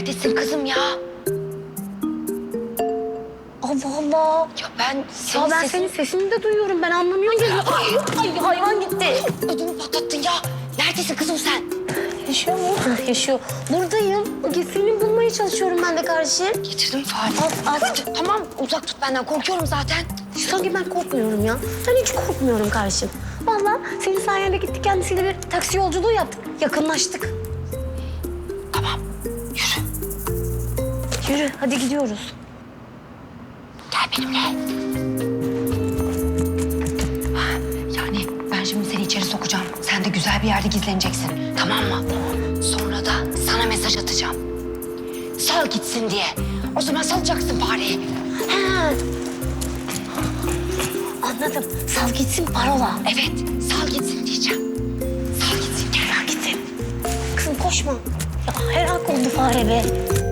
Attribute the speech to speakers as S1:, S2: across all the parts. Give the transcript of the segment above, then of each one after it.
S1: Neredesin kızım ya?
S2: Allah Allah.
S1: Ya ben
S2: Senin sesini de duyuyorum. Ben anlamıyorum ki. Ay hayvan gitti.
S1: ödümü patlattın ya. Neredesin kızım sen?
S2: Yaşıyor mu? Yaşıyor. Buradayım. Gizlini bulmaya çalışıyorum ben de kardeşim.
S1: Getirdim fare.
S2: Al.
S1: Tamam uzak tut benden, korkuyorum zaten.
S2: Sanki ben korkmuyorum ya. Ben hiç korkmuyorum kardeşim. Vallahi senin sayende gittik kendisiyle bir taksi yolculuğu yaptık. Yakınlaştık.
S1: Tamam yürü.
S2: Yürü hadi gidiyoruz.
S1: Gel benimle. Yani ben şimdi seni içeri sokacağım. Sen de güzel bir yerde gizleneceksin. Tamam mı? Sonra da sana mesaj atacağım. Sal gitsin diye. O zaman salacaksın fareyi.
S2: Ha. Anladım. Sal gitsin parola.
S1: Evet, sal gitsin diyeceğim. Sal gitsin, gel gitsin.
S2: Kızım koşma. Ya helak oldu fare be.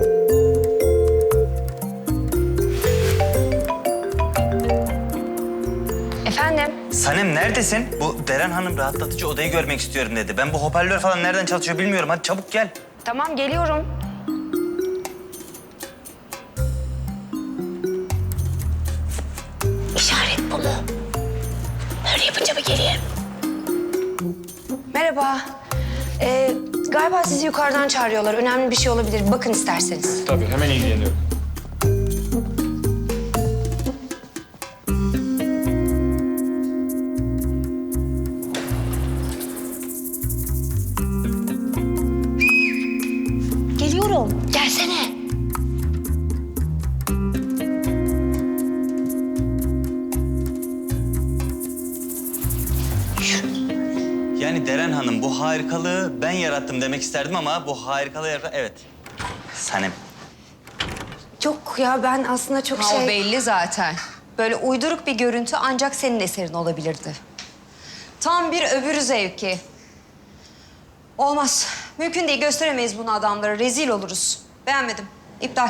S1: Efendim?
S3: Sanem neredesin? Bu Deren Hanım rahatlatıcı odayı görmek istiyorum dedi. Ben bu hoparlör falan nereden çalışıyor bilmiyorum. Hadi çabuk gel.
S1: Tamam, geliyorum.
S2: İşaret bu mu? Böyle yapınca mı geriye?
S1: Merhaba. Galiba sizi yukarıdan çağırıyorlar. Önemli bir şey olabilir. Bakın isterseniz.
S4: Tabii, hemen ilgileniyorum.
S2: Geliyorum.
S1: Gelsene.
S3: Yani Deren Hanım bu harikalığı ben yarattım demek isterdim ama bu harikalığı evet. Sanem.
S1: Yok ya, ben aslında çok
S5: O belli zaten. Böyle uyduruk bir görüntü ancak senin eserin olabilirdi. Tam bir öbürü zevki. Olmaz. Mümkün değil, gösteremeyiz bunu adamlara. Rezil oluruz. Beğenmedim. İptal.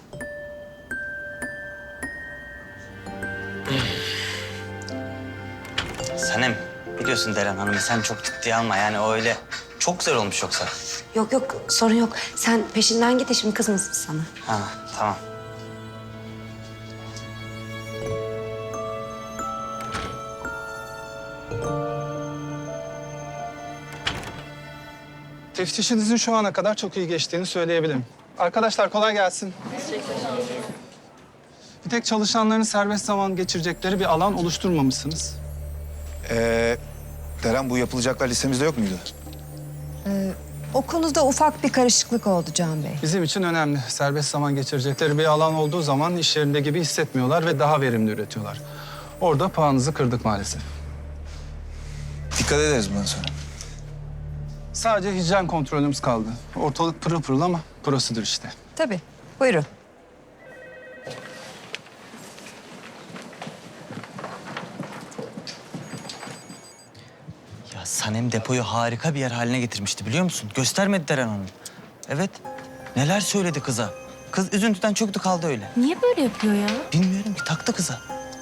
S3: Sanem biliyorsun Deren Hanım'ı sen çok ciddiye alma. Yani o öyle çok güzel olmuş yoksa.
S1: Yok, sorun yok. Sen peşinden git de şimdi kızmasın sana.
S3: Ha tamam.
S6: Teftişinizin şu ana kadar çok iyi geçtiğini söyleyebilirim. Arkadaşlar kolay gelsin. Bir tek çalışanların serbest zaman geçirecekleri bir alan oluşturmamışsınız.
S7: Deren bu yapılacaklar listemizde yok muydu?
S5: O konuda ufak bir karışıklık oldu Can Bey.
S6: Bizim için önemli. Serbest zaman geçirecekleri bir alan olduğu zaman iş yerinde gibi hissetmiyorlar ve daha verimli üretiyorlar. Orada puanınızı kırdık maalesef.
S7: Dikkat ederiz bundan sonra.
S6: Sadece hijyen kontrolümüz kaldı. Ortalık pırıl pırıl ama prosedür işte.
S5: Tabii. Buyurun.
S3: Ya Sanem depoyu harika bir yer haline getirmişti biliyor musun? Göstermedi Deren Hanım. Evet. Neler söyledi kıza. Kız üzüntüden çöktü kaldı öyle.
S2: Niye böyle yapıyor ya?
S3: Bilmiyorum ki taktı kıza.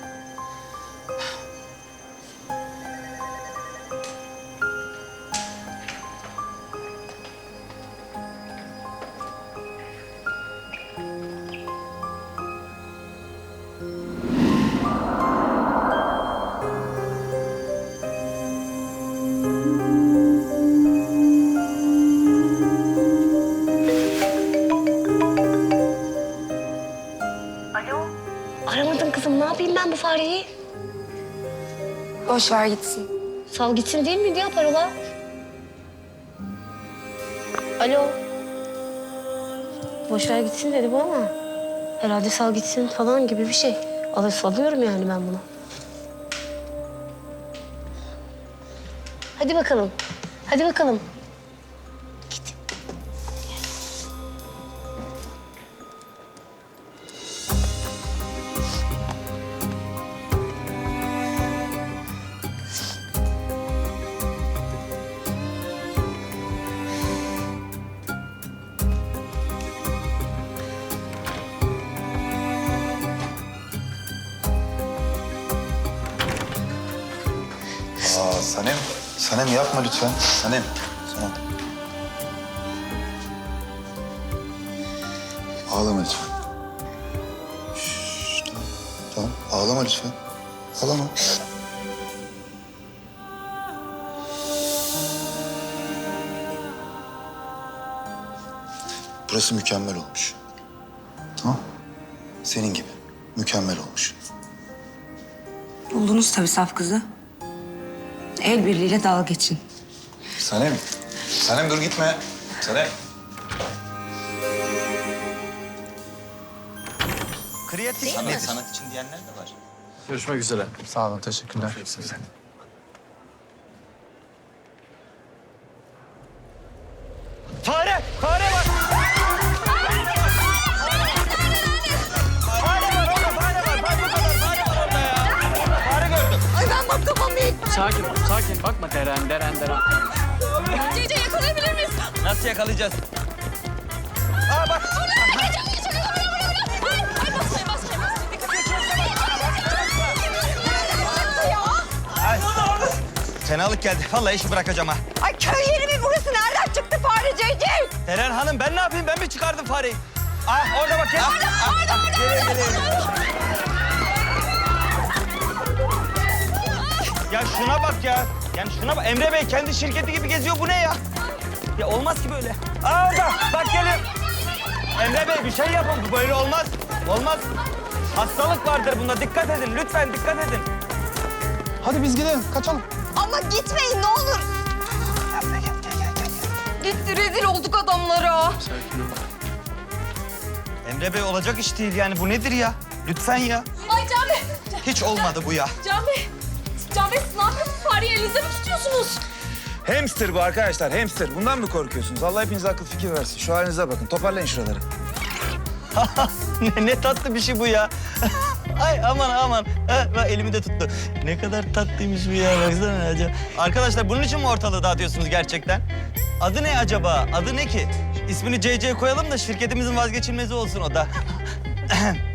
S2: Aramadın kızım. Ne yapayım ben bu fareyi?
S1: Boş ver gitsin.
S2: Sal gitsin değil miydi ya parola? Alo. Boş ver gitsin dedi bu ama. Herhalde sal gitsin falan gibi bir şey. Salıyorum yani ben bunu. Hadi bakalım. Hadi bakalım. Git.
S7: Sanem. Sanem yapma lütfen. Sanem. Tamam. Ağlama lütfen. Şşş, tamam. Tamam, ağlama lütfen. Ağlama. Burası mükemmel olmuş. Tamam. Senin gibi. Mükemmel olmuş.
S5: Buldunuz tabii saf kızı. El birliğiyle dalga geçin.
S7: Sanem. Sanem dur gitme. Sanem.
S3: Kreatif sanat için diyenler de var.
S6: Görüşmek üzere. Sağ olun, teşekkürler.
S3: Fare! Fare var!
S4: Sakin ol, sakin. Bakma deren.
S8: Cece yakalayabilir miyiz?
S3: Nasıl yakalayacağız? Aa bak!
S8: Ay basmayın.
S3: Ay. Fenalık geldi. Vallahi işi bırakacağım ha.
S5: Ay köy yeri mi burası? Nereden çıktı fare Cece?
S3: Deren Hanım ben ne yapayım? Ben mi çıkardım fareyi? Ah orada bak ya. Ya şuna bak ya. Yani şuna bak. Emre Bey kendi şirketi gibi geziyor. Bu ne ya? Ya olmaz ki böyle. Aa orada. Bak geliyor. Emre Bey bir şey yapın. Bu böyle olmaz. Olmaz. Hastalık vardır bunda. Dikkat edin. Lütfen dikkat edin.
S6: Hadi biz gidelim, kaçalım.
S5: Ama gitmeyin ne olur. Gitti rezil olduk adamlara.
S3: Emre Bey olacak iş değil yani. Bu nedir ya? Lütfen ya.
S8: Ay Can Bey.
S3: Hiç olmadı bu ya.
S8: Can Bey. Can Bey siz ne yapıyorsunuz? Fareyi elinizde mi tutuyorsunuz?
S7: Hamster bu arkadaşlar, hamster. Bundan mı korkuyorsunuz? Allah hepinize akıl fikir versin. Şu halinize bakın. Toparlayın şuraları.
S3: ne tatlı bir şey bu ya. Ay aman. Ha, bak elimi de tuttu. Ne kadar tatlıymış bu ya. Baksana acaba. Arkadaşlar bunun için mi ortalığı dağıtıyorsunuz gerçekten? Adı ne acaba? Adı ne ki? İsmini CC koyalım da şirketimizin vazgeçilmezi olsun o da.